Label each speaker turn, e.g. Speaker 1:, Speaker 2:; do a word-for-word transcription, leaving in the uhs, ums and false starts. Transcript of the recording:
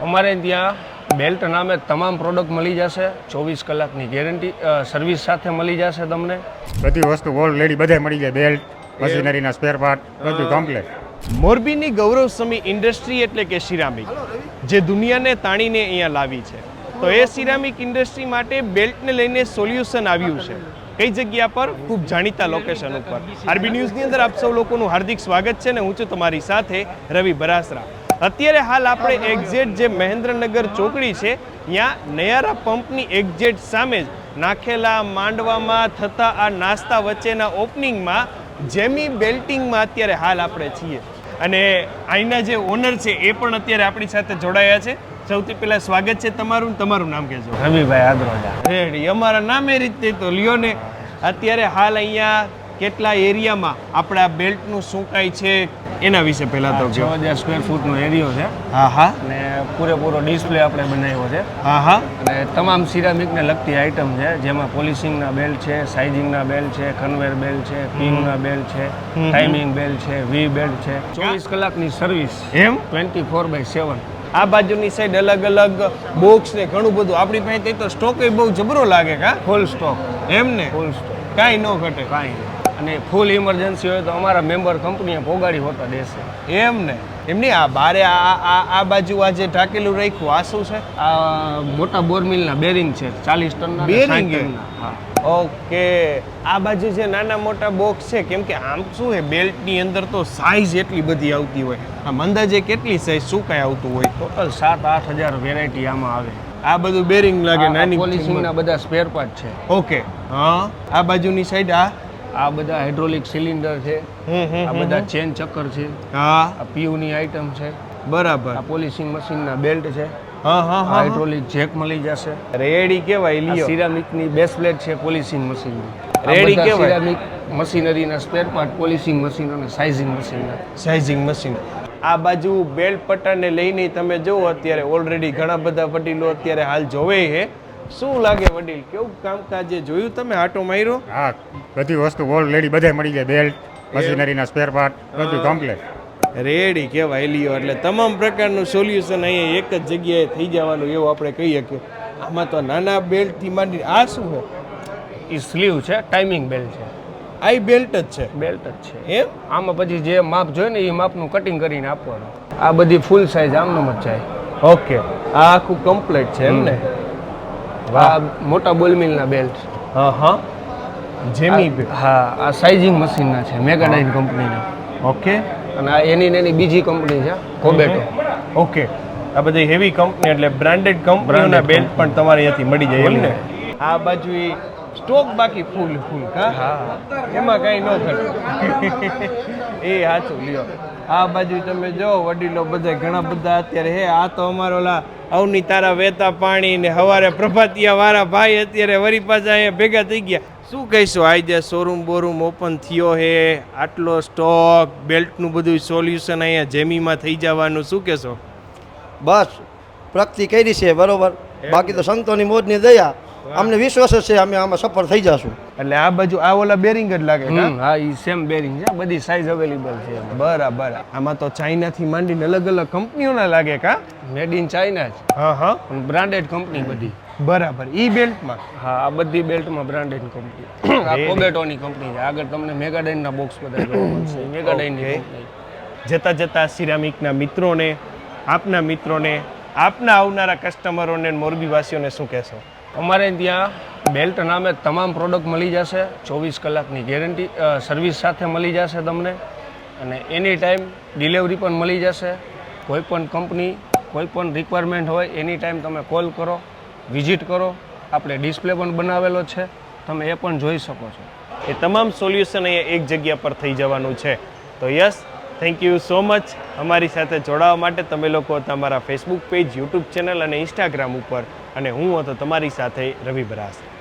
Speaker 1: અમારે ત્યાં બેલ્ટ નામે તમામ પ્રોડક્ટ મળી જશે. ચોવીસ કલાકની ગેરંટી સર્વિસ સાથે મળી જશે. તમને
Speaker 2: બધી વસ્તુ ઓલરેડી બધે મળી જાય. બેલ્ટ, મશીનરીના સ્પેર પાર્ટ બધું કમ્પ્લીટ.
Speaker 3: મોરબીની ગૌરવ સમી ઇન્ડસ્ટ્રી એટલે કે સિરામિક જે દુનિયાને તાણીને અહીંયા લાવી છે, તો એ સિરામિક ઇન્ડસ્ટ્રી માટે બેલ્ટને લઈને સોલ્યુશન આવ્યું છે. કઈ જગ્યા પર? ખૂબ જાણીતા લોકેશન ઉપર. આરબી ન્યૂઝની અંદર આપ સૌ લોકોનું હાર્દિક સ્વાગત છે ને હું છું તમારી સાથે રવિ બરાસરા. અત્યારે હાલ આપણે એક્ઝેટ જે મહેન્દ્રનગર ચોકડી છે ત્યાં નયારા પંપની એક્ઝેટ સામે જ નાખેલા માંડવામાં થતા આ નાસ્તા વચ્ચેના ઓપનિંગમાં જેમી બેલ્ટિંગમાં અત્યારે હાલ આપણે છીએ અને અહીંના જે ઓનર છે એ પણ અત્યારે આપણી સાથે જોડાયા છે. સૌથી પહેલા સ્વાગત છે તમારું. તમારું નામ કહેજો.
Speaker 1: રવિભાઈ આદરોજા.
Speaker 3: રેડી. અમારા નામ એ રીતે તો લ્યો ને. અત્યારે હાલ અહીંયા કેટલા એરિયામાં આપણે આ બેલ્ટનું શું કાંઈ છે એના વિશે પહેલા તો
Speaker 1: છ હજાર સ્ક્વેર ફૂટનો એરિયો છે.
Speaker 3: હા હા.
Speaker 1: અને પૂરેપૂરો ડિસ્પ્લે આપણે બનાવ્યો છે.
Speaker 3: હા હા.
Speaker 1: અને તમામ સિરામિકને લગતી આઇટમ છે, જેમાં પોલિશિંગના બેલ્ટ છે, સાઇઝિંગના બેલ્ટ છે, કન્વેર બેલ્ટ છે, પિનના બેલ્ટ છે, ટાઈમિંગ બેલ્ટ છે, વી બેલ્ટ છે. ચોવીસ કલાકની સર્વિસ
Speaker 3: એમ
Speaker 1: ટ્વેન્ટી ફોર બાય સેવન.
Speaker 3: આ બાજુની સાઈડ અલગ અલગ બોક્સ ને ઘણું બધું આપણી પાસે તો સ્ટોક એ બહુ જબરો લાગે. કા
Speaker 1: ફૂલ સ્ટોક.
Speaker 3: એમ ને
Speaker 1: ફૂલ સ્ટોક.
Speaker 3: કાંઈ ન ઘટે.
Speaker 1: કાંઈ નહીં. અને ફૂલ ઇમરજન્સી હોય તો અમારા મેમ્બર કંપનીએ પોગાડી હોતા દેશે.
Speaker 3: એમ ને એમની આ બારે આ આ આ બાજુ આ જે ઢાકેલું રાખ્યું આ શું છે?
Speaker 1: આ મોટા બોરમિલના બેરિંગ છે, ચાલીસ ટનના.
Speaker 3: બેરિંગ?
Speaker 1: હા.
Speaker 3: ઓકે. આ બાજુ જે નાના મોટા બોક્સ છે, કેમ કે આમ શું છે બેલ્ટની અંદર તો સાઈઝ એટલી બધી આવતી હોય. આમ અંદાજે કેટલી સાઈઝ શું કાંઈ આવતું હોય?
Speaker 1: ટોટલ સાત આઠ હજાર વેરાયટી આમાં આવે.
Speaker 3: આ બધું બેરિંગ લાગે. નાની
Speaker 1: પોલિશિંગના બધા સ્પેર પાર્ટ છે.
Speaker 3: ઓકે. હા. આ બાજુની સાઈડ આ
Speaker 1: આ બધા હાઇડ્રોલિક સિલિન્ડર છે. આ બધા ચેન ચક્કર છે.
Speaker 3: હા.
Speaker 1: આ પીયુની આઇટમ છે.
Speaker 3: બરાબર.
Speaker 1: આ પોલિશિંગ મશીનના બેલ્ટ છે.
Speaker 3: હા હા.
Speaker 1: હાઇડ્રોલિક જેક મળી જશે.
Speaker 3: રેડી કેવાય. લ્યો.
Speaker 1: સિરામિકની બેસ પ્લેટ છે પોલિશિંગ મશીનની.
Speaker 3: રેડી કેવાય.
Speaker 1: સિરામિક મશીનરીના સ્પેર પાર્ટ, પોલિશિંગ મશીન અને સાઇઝિંગ મશીનના.
Speaker 3: Sizing machine. આ બાજુ બેલ્ટ પટ્ટાને લઈને તમે જુઓ અત્યારે ઓલરેડી ઘણા બધા વડીલો અત્યારે હાલ જોવે છે. શું લાગે વડીલ, કેવું કામકાજ જોયું તમે? આટો માર્યો?
Speaker 2: હા, બધી વસ્તુ ઓલરેડી બધે મળી જાય. બેલ્ટ, મશીનરીના સ્પેર પાર્ટ બધું કમ્પ્લીટ.
Speaker 3: રેડી કહેવાય. લ્યો. એટલે તમામ પ્રકારનું સોલ્યુશન અહીંયા એક જ જગ્યાએ થઈ જવાનું એવું આપણે કહી શકીએ. આમાં તો નાના બેલ્ટથી માંડી આ શું છે?
Speaker 1: એ સ્લીવ છે, ટાઈમિંગ બેલ્ટ છે.
Speaker 3: આ બેલ્ટ જ છે?
Speaker 1: બેલ્ટ જ છે.
Speaker 3: એમ?
Speaker 1: આમાં પછી જે માપ જોઈએ ને એ માપનું કટિંગ કરીને આપવાનું. આ બધી ફૂલ સાઇઝ આમનો જ જાય.
Speaker 3: ઓકે. આ આખું કમ્પ્લીટ છે એમ ને?
Speaker 1: આ મોટા બોલમિલના બેલ્ટ.
Speaker 3: હા હા. જેમી.
Speaker 1: હા. આ સાઇઝિંગ મશીનના છે, મેગાડાઇન કંપનીના.
Speaker 3: ઓકે.
Speaker 1: અને આ એની ને એની બીજી કંપની છે, કોબેટો.
Speaker 3: ઓકે. આ બધી હેવી કંપની એટલે બ્રાન્ડેડ કંપનીઓના બેલ્ટ પણ તમારે અહીંયાથી મળી જાય એમ ને? આ બાજુ એ સ્ટોક બાકી ફૂલ ફૂલ. હા. એમાં કાંઈ ન ઘટે. એ સાચું. લ્યો. આ બાજુ તમે જો વડીલો બધા ઘણા બધા અત્યારે હે. આ તો અમારો ઓલા અવની તારા વહેતા પાણી ને હવારે પ્રભાતિયા વાળા ભાઈ અત્યારે વરી પાછા અહીંયા ભેગા થઈ ગયા. શું કહીશું? આજે શોરૂમ બોરૂમ ઓપન થયો હે, આટલો સ્ટોક, બેલ્ટનું બધું સોલ્યુશન અહીંયા જેમીમાં થઈ જવાનું, શું કહેશો?
Speaker 4: બસ પ્રગતિ કરી છે બરોબર. બાકી તો સંતોની મોજની દયા, અમને વિશ્વાસ જ છે અમે આમાં સફળ થઈ જશું.
Speaker 3: એટલે આ બાજુ આ ઓલા બેરિંગ જ લાગે.
Speaker 1: હા, એ સેમ બેરિંગ છે. બધી સાઇઝ અવેલેબલ છે.
Speaker 3: બરાબર. આમાં તો ચાઇનાથી માંડીને અલગ અલગ કંપનીઓના લાગે. કા
Speaker 1: મેડ ઇન ચાઇના જ.
Speaker 3: હા હા.
Speaker 1: બ્રાન્ડેડ કંપની બધી.
Speaker 3: બરાબર. ઈ બેલ્ટમાં?
Speaker 1: હા, આ બધી બેલ્ટમાં બ્રાન્ડેડ કંપની. આ કોબેટોની કંપની છે. આગળ તમને મેગાડાઇનના બોક્સ બધા જોવા મળશે. મેગાડાઇનની કંપની.
Speaker 3: જતા જતા સિરામિકના મિત્રોને, આપના મિત્રોને, આપના આવનારા કસ્ટમરોને, મોરબીવાસીઓને શું કહેશો?
Speaker 1: અમારે ત્યાં બેલ્ટ નામે તમામ પ્રોડક્ટ મળી જશે. ચોવીસ કલાકની ગેરંટી સર્વિસ સાથે મળી જશે તમને. અને એની ટાઈમ ડિલિવરી પણ મળી જશે. કોઈ પણ કંપની, કોઈ પણ રિક્વાયરમેન્ટ હોય એની ટાઈમ તમે કોલ કરો, વિઝિટ કરો. આપણે ડિસ્પ્લે પણ બનાવેલો છે, તમે એ પણ જોઈ શકો છો.
Speaker 3: એ તમામ સોલ્યુશન અહીંયા એક જગ્યા પર થઈ જવાનું છે. તો yes, thank you so much અમારી સાથે જોડાવા માટે. તમે લોકો તમારા ફેસબુક પેજ, યુટ્યુબ ચેનલ અને ઇન્સ્ટાગ્રામ ઉપર, અને હું હતો તમારી સાથે રવિ બરાસરા.